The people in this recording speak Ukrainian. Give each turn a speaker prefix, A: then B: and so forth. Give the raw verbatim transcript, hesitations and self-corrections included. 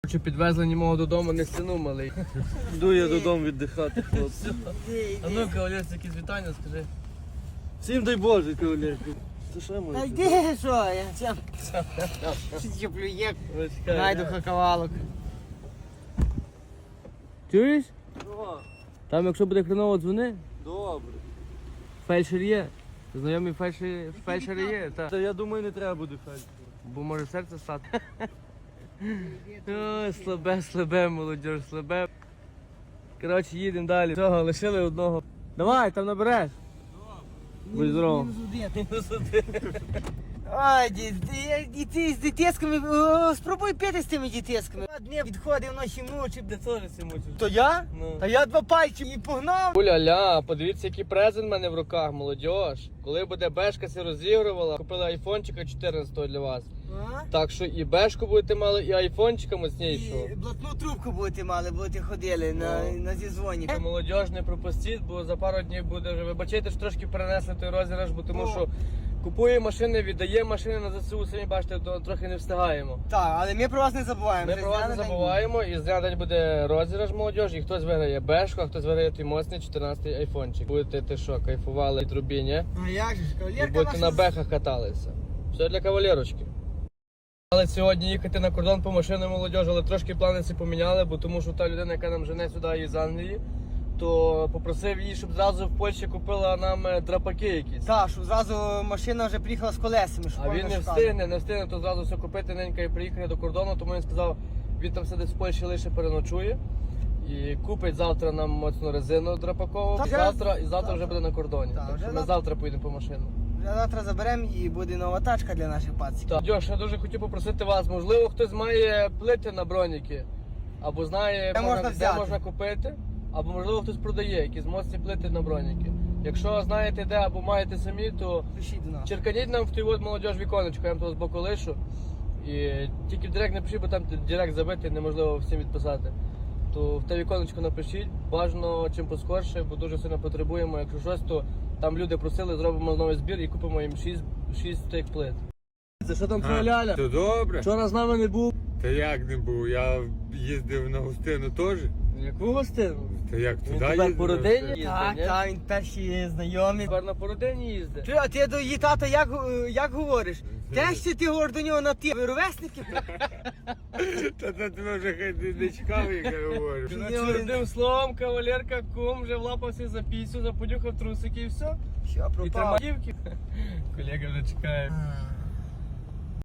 A: Чи підвезли німого додому, не стіну малий. Йду я додому віддихати, хлопці. А ну, кавалерці, якісь вітання, скажи. Всім дай Боже, кавалерці. Це що моє?
B: Та йди, що я сам чіплю є, найду хакавалок.
A: Чуєш?
C: О,
A: Там якщо буде хреново, дзвони.
C: добре.
A: Фельдшер є. Знайомі фельдшери, фельдшери є, так.
C: Та я думаю, не треба буде фельдшера.
A: Бо може серце стати. Ой, слабе, слабе, молодь, слабе. Коротше, їдемо далі. Цього, лишили одного. Давай, там набереш. Будь здорово.
B: Ой, діти з дітесками, спробуй пити з тими дітесками. Дні відходив, ночі мучив.
A: Ти теж всі мучиш.
B: То я?
A: Ну.
B: Та я два пальці і погнав.
A: Уля-ля, подивіться, який презент в мене в руках, молодь. Коли буде бешка се розігрувала, купила айфончика чотирнадцятого для вас.
B: А?
A: Так що і бешку будете мали, і айфончика моцнішого.
B: І блатну трубку будете мали, будете ходили на,
A: Ну.
B: на зізвоні.
A: Молодь, не пропустіть, бо за пару днів буде вже. Вибачайте, що трошки перенесли той розіграш, бо тому
B: Ну.
A: що купує машини, віддає машини на ЗСУ, самі бачите, то трохи не встигаємо.
B: Так, але ми про вас не забуваємо.
A: Ми
B: Вже
A: про вас
B: зря
A: не
B: на день
A: забуваємо, і зря день буде розіграш молодь, і хтось виграє бешку, а хтось виграє той моцний чотирнадцятий айфончик. Будете ти що, кайфували від трубі, ні?
B: буде. А як же ж,
A: І
B: кавалерка
A: будете на
B: наша...
A: бехах каталися. Все для кавалерочки. Але сьогодні їхати на кордон по машину молодь, але трошки плани ці поміняли, бо тому що та людина, яка нам жене сюди із Англії, то попросив її, щоб зразу в Польщі купила нам е, драпаки якісь.
B: Так, щоб зразу машина вже приїхала з колесами, щоб
A: А він
B: повно
A: не
B: шукати.
A: встигне, не встигне, то зразу все купити ненька і приїхати до кордону, тому він сказав, він там сидить в Польщі, лише переночує. І купить завтра нам моцну резину драпакову,
B: Так,
A: завтра, і завтра
B: завтра.
A: вже буде на кордоні.
B: Так,
A: Так,
B: вже
A: що ми
B: завтра.
A: завтра поїдемо по машину.
B: Вже завтра заберемо і буде нова тачка для наших пациків.
A: Так, Дьош, я дуже хотів попросити вас, можливо, хтось має плити на броніки, або знає,
B: Де можна
A: де
B: взяти?
A: можна купити, або можливо хтось продає якісь моцні плити на броніки. Якщо знаєте де, або маєте самі, то
B: Пишіть до нас.
A: черканіть нам в той от молодіж віконечко, я вам того з боку лишу. І тільки в директ не пишіть, бо там директ забитий, неможливо всім відписати. То в те віконечко напишіть, бажано чим поскорше, бо дуже сильно потребуємо. Якщо щось, то там люди просили, зробимо новий збір і купимо їм шість тих плит. Це що там твоя ляля?
D: То добре.
A: Вчора з нами не був.
D: Та як не був? Я їздив на гостину теж.
A: Яку гостину?
D: Та як
A: Він
D: туди
A: тепер
D: їздив?
A: по
D: на
A: родині
D: гостину?
A: їздить,
B: Так,
A: ні?
B: так, він перші знайомі.
A: Тепер на породині їздить.
B: Ти, а ти до її тата як, е, як говориш? Теж ти говориш до нього на ти. Ви ровесники?
D: Та та тебе вже хай не- не чекав, як я говорю.
A: Коротше, одним словом, кавалерка, кум вже влапався за пісю, заподюхав трусики і все.
B: Що,
A: І
B: пропав?
A: тримав дівки. Колега вже чекає.
B: А.